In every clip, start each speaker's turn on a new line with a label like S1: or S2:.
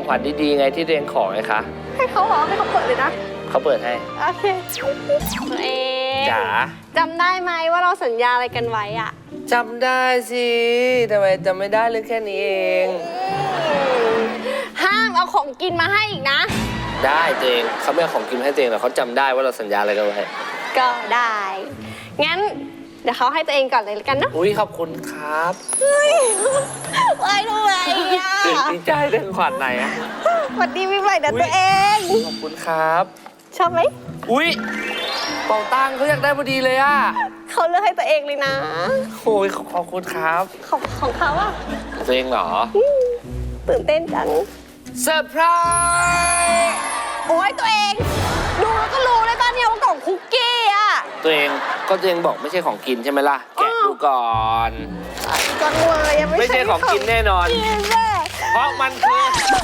S1: ขวัญดีๆไงที่ตัวเองขอไงคะ
S2: ให้เขาเหรอให้เขาเปิดเลยนะ
S1: เขาเปิดให้
S2: โอเคตัวเอง
S1: จ๋า
S2: จำได้ไหมว่าเราสัญญาอะไรกันไว้อะ
S1: จำได้สิทำไมจำไม่ได้เรื่องแค่นี้เอง
S2: ห้ามเอาของกินมาให้อีกนะ
S1: ได้ตัวเองเขาไม่เอาของกินให้ตัวเองหรอกเขาจำได้ว่าเราสัญญาอะไรกันไว้
S2: ก็ได้งั้นเดี๋ยวเขาให้ตัวเองก่อนเลยกันเนาะ
S1: อุ้ยขอบคุณครับ
S2: ไว้ด้วยอ่ะ
S1: ดีใจเรื่องขวัญไหนอ่ะ
S2: สวัสดีพี่ใหม่นะตัวเอง
S1: ขอบคุณครับ
S2: ชอบไหม
S1: อุ้ยเป่าตังเขาอยากได้พอดีเลยอ่ะ
S2: เขาเลือกให้ตัวเองเลยนะ
S1: โอ้ยขอบคุณครับ
S2: ของเขาอ่ะ
S1: ตัวเองเหรอ
S2: ตื่นเต้นจัง
S1: เซอร์ไพรส์
S2: โอ้ยตัวเองดูแล้วก็รู้เลยตอนนี้ว่ากล่องคุกกี้อ่ะ
S1: ตัวเองบอกไม่ใช่ของกินใช่ไหมล่ะแกะดูก่อน
S2: ก่อนเลย
S1: ไม่ใช่ของกินแน่นอนเพราะมันคือ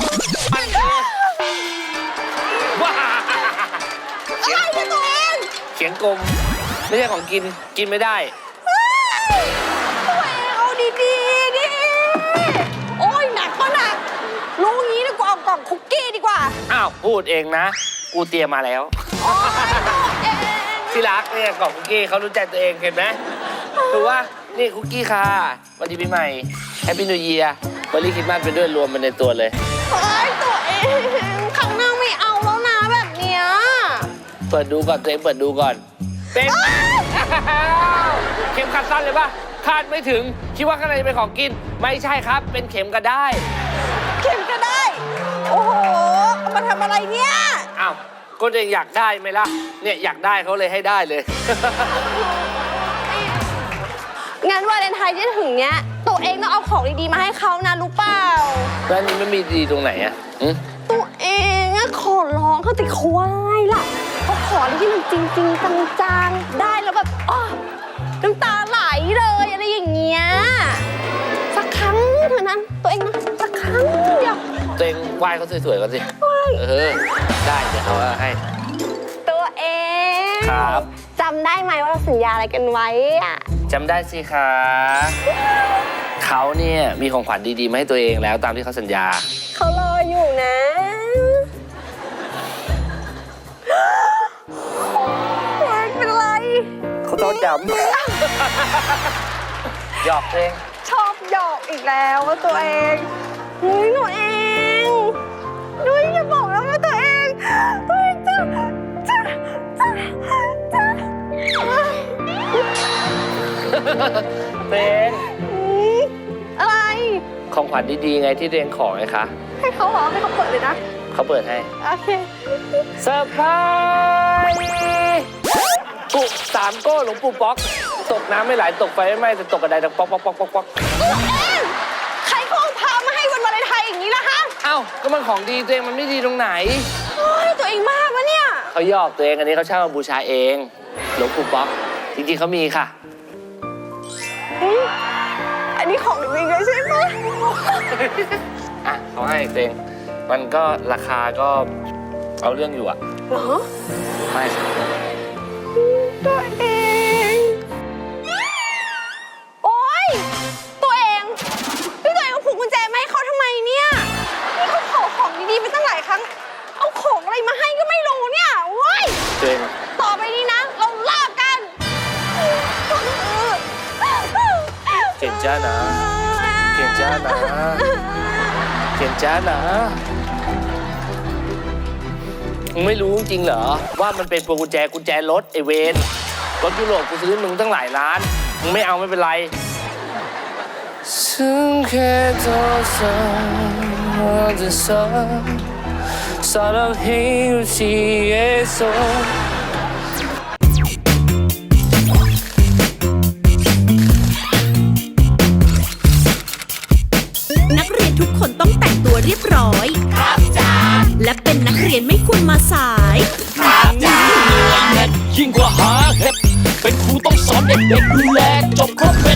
S1: ว้า
S2: อะไรเนี่ยตัวเอง
S1: เขียงกลมไม่ใช่ของกินกินไม่ได้
S2: ตัวเองเอาดีๆดิโอ้ยหนักก็หนักรู้งี้ดีกว่าเอากล่องคุกกี้ดีกว่า
S1: อ้าวพูดเองนะกูเตรียมมาแล้วที่รักเนี่ยกล่องคุกกี้เขารู้ใจตัวเองเห็นไหมถือว่านี่คุกกี้ค่ะวันดีปีใหม่แฮปปี้นิวเยียร์วันนี้คิดมากไปด้วยรวมมันในตัวเลย
S2: เฮ้ยตัวเองข้างหน้าไม่เอาแล้วนะแบบเนี้ย
S1: เปิดดูก่อนตัวเองเปิดดูก่อนเป็นเข็มขัดสั้นเลยป่ะคาดไม่ถึงคิดว่าข้างในจะเป็นของกินไม่ใช่ครับเป็นเข็มกระได้
S2: เข็มกระได้โอ้โหเอามาทำอะไรเนี่ย
S1: อ้าวก็ตัวเองอยากได้ไหมล่ะเนี่ยอยากได้เขาเลยให้ได้เลย
S2: งั้นวาเลนไทน์ที่ถึงเนี้ยตัวเองต้องเอาของดีๆมาให้เขานะรู้เปล่า
S1: แล้วนี้ไม่มีดีตรงไหนอะ
S2: ตัวเองอะขอร้องเขาติควายล่ะเขาขออะไรที่มันจริงๆจังๆได้แล้วแบบอ๋อน้ำตาไหลเลยอะไรอย่างเงี้ยสักครั้งเท่านั้นตัวเองนะสักครั้งเดียว
S1: ตัวเองไหว้เขาสวยๆก่อนสิได้เดี๋ยวเขาให้
S2: ตัวเอง
S1: ครับ
S2: จำได้ไหมว่าเราสัญญาอะไรกันไว้อะ
S1: จำได้สิคะเขาเนี่ยมีของขวัญดีๆมาให้ตัวเองแล้วตามที่เขาสัญญา
S2: เขารออยู่นะไม่เป็นไร
S1: เขาต้องจำหยอกเอง
S2: ชอบหยอกอีกแล้วว่าตัวเองหนูเองอย่าบอกแล้วว่าตัวเองจะ
S1: เป็น
S2: อะไร
S1: ของขวัญดีๆไงที่ตัวเองขอไงคะ
S2: ให้เขาเหรอให้เขาเปิดเลยนะ
S1: เขาเปิดให้
S2: โอเค
S1: เซอร์ไพรส์ปุ๊บ3 โก้หลวงปู่ป๊อกตกน้ำไม่ไหลตกไฟไม่ไหม้แต่ตกกระไดดังป๊อก
S2: ใครเขาเอาพามาให้วันวาเลนไทน์อย่างนี้ล่ะฮะ
S1: เอ้าก็มันของดีตัวเองมันไม่ดีตรงไหน
S2: ตัวเองมากวะเนี่ย
S1: เขาหยอกตัวเองอันนี้เขาเช่ามาบูชาเองหลวงปู่ป๊อกจริงๆเขามีค่ะ
S2: อันนี้ของจริงเลยใช่ไหม
S1: อ่ะเขาให้ตัวเองมันก็ราคาก็เอาเรื่องอยู่อะ
S2: เหรอ
S1: ไม่ค่ะ
S2: ตัวเองโอ๊ยตัวเองพี่ตัวเองเอาผูกกุญแจมาให้เขาทำไมเนี่ยนี่เขาขอของดีๆไปตั้งหลายครั้งเอาของอะไรมาให้ก็ไม่รู้เนี่ยโอ๊ย
S1: ตัวเอง
S2: ต่อไปนี้นะเราเลิกกัน
S1: เก่งจ้านะเก่งจ้านะเก่งจ้านะมึงไม่รู้จริงเหรอว่ามันเป็นพวงกุญแจรถไอเวนรถยุโรปกูซื้อมึงตั้งหลายล้านมึงไม่เอาไม่เป็นไรซึ่งแค่ตัวฉันจะสอนสอนเราให้รู้ที่เอโซ
S3: นักเรียนทุกคนต้องแต่งตัวเรียบร้อยครับจ้าและเป็นนักเรียนไม่ควรมาสายครับจ้ายิ่งกว่าหาเห็ดเป็นครูต้องสอนเด็กๆดูแลจบครบ